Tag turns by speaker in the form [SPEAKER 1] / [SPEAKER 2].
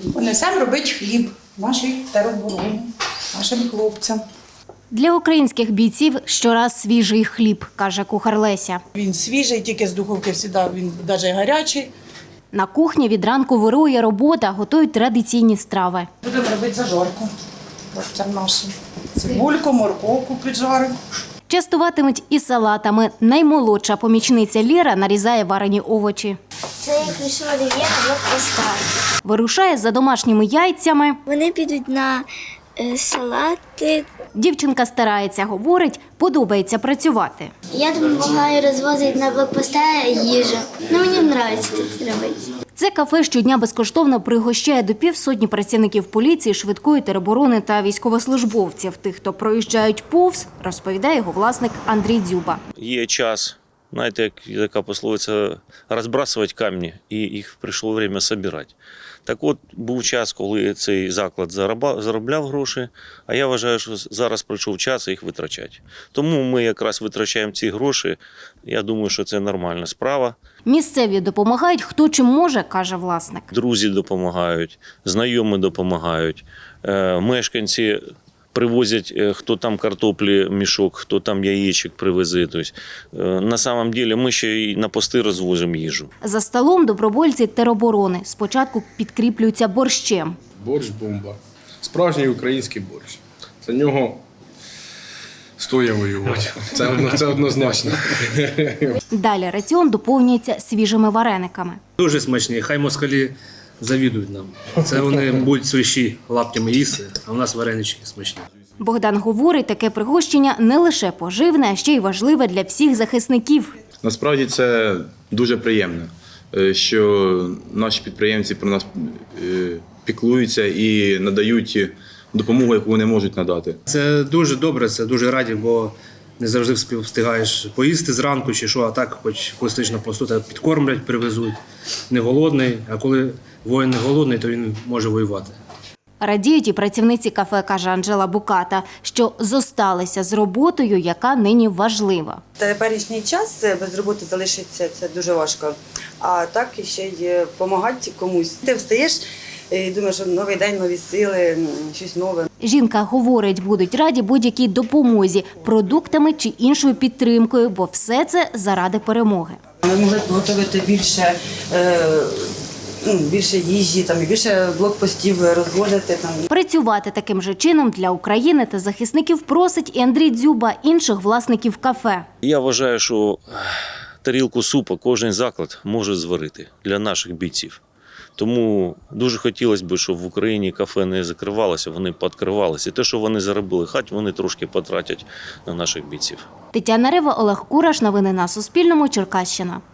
[SPEAKER 1] Понесемо робити хліб нашій теробороні, нашим хлопцям.
[SPEAKER 2] Для українських бійців щораз свіжий хліб, каже кухар Леся.
[SPEAKER 1] Він свіжий, тільки з духовки завжди, він навіть гарячий.
[SPEAKER 2] На кухні від ранку вирує робота, готують традиційні страви.
[SPEAKER 1] Будемо робити зажарку хлопцям нашим. Цибульку, морковку піджаримо.
[SPEAKER 2] Частуватимуть і салатами. Наймолодша помічниця Лєра нарізає варені овочі.
[SPEAKER 3] Це я прийшла Олів'є на блокпоста.
[SPEAKER 2] Вирушає за домашніми яйцями.
[SPEAKER 3] Вони підуть на салати.
[SPEAKER 2] Дівчинка старається, говорить, подобається працювати.
[SPEAKER 3] Я допомагаю розвозити на блокпоста їжу. Мені подобається тут робити.
[SPEAKER 2] Це кафе щодня безкоштовно пригощає до півсотні працівників поліції, швидкої тероборони та військовослужбовців. Тих, хто проїжджають повз, розповідає його власник Андрій Дзюба.
[SPEAKER 4] Є час, знаєте, як така пословиця, розбрасувати камні, і їх прийшло час збирати. Так от, був час, коли цей заклад заробляв гроші, а я вважаю, що зараз прийшов час їх витрачати. Тому ми якраз витрачаємо ці гроші, я думаю, що це нормальна справа.
[SPEAKER 2] Місцеві допомагають хто чим може, каже власник.
[SPEAKER 4] Друзі допомагають, знайомі допомагають, мешканці привозять, хто там картоплі мішок, хто там яєчок привезе. Тобто, на самом деле ми ще й на пости розвозимо їжу.
[SPEAKER 2] За столом добровольці тероборони спочатку підкріплюються борщем.
[SPEAKER 5] Борщ – бомба. Справжній український борщ. За нього стоїть воювати. Це однозначно.
[SPEAKER 2] Далі раціон доповнюється свіжими варениками.
[SPEAKER 6] Дуже смачні, хай москалі завідують нам. Це вони будуть свищі лаптями їсти, а у нас варенички смачні.
[SPEAKER 2] Богдан говорить, таке пригощення не лише поживне, а ще й важливе для всіх захисників.
[SPEAKER 7] Насправді це дуже приємно, що наші підприємці про нас піклуються і надають допомогу, яку вони можуть надати.
[SPEAKER 6] Це дуже добре, це дуже раді, бо не завжди встигаєш поїсти зранку чи що, а так хоч коли на посту, тебе підкормлять, привезуть. Не голодний, а коли воїн не голодний, то він може воювати.
[SPEAKER 2] Радіють і працівниці кафе, каже Анжела Буката, що зосталися з роботою, яка нині важлива.
[SPEAKER 8] Теперішній час без роботи залишиться, це дуже важко. А так ще й допомагати комусь. Ти встаєш і думаєш, що новий день, нові сили, щось нове.
[SPEAKER 2] Жінка говорить, будуть раді будь-якій допомозі, продуктами чи іншою підтримкою, бо все це заради перемоги.
[SPEAKER 8] Ми могли б готувати більше їжі, і більше блокпостів розводити.
[SPEAKER 2] Працювати таким же чином для України та захисників просить і Андрій Дзюба, інших власників кафе.
[SPEAKER 4] Я вважаю, що тарілку супу кожен заклад може зварити для наших бійців. Тому дуже хотілося б, щоб в Україні кафе не закривалося, вони підкривалися. І те, що вони заробили, хай вони трошки потратять на наших бійців.
[SPEAKER 2] Тетяна Рева, Олег Кураш. Новини на Суспільному. Черкащина.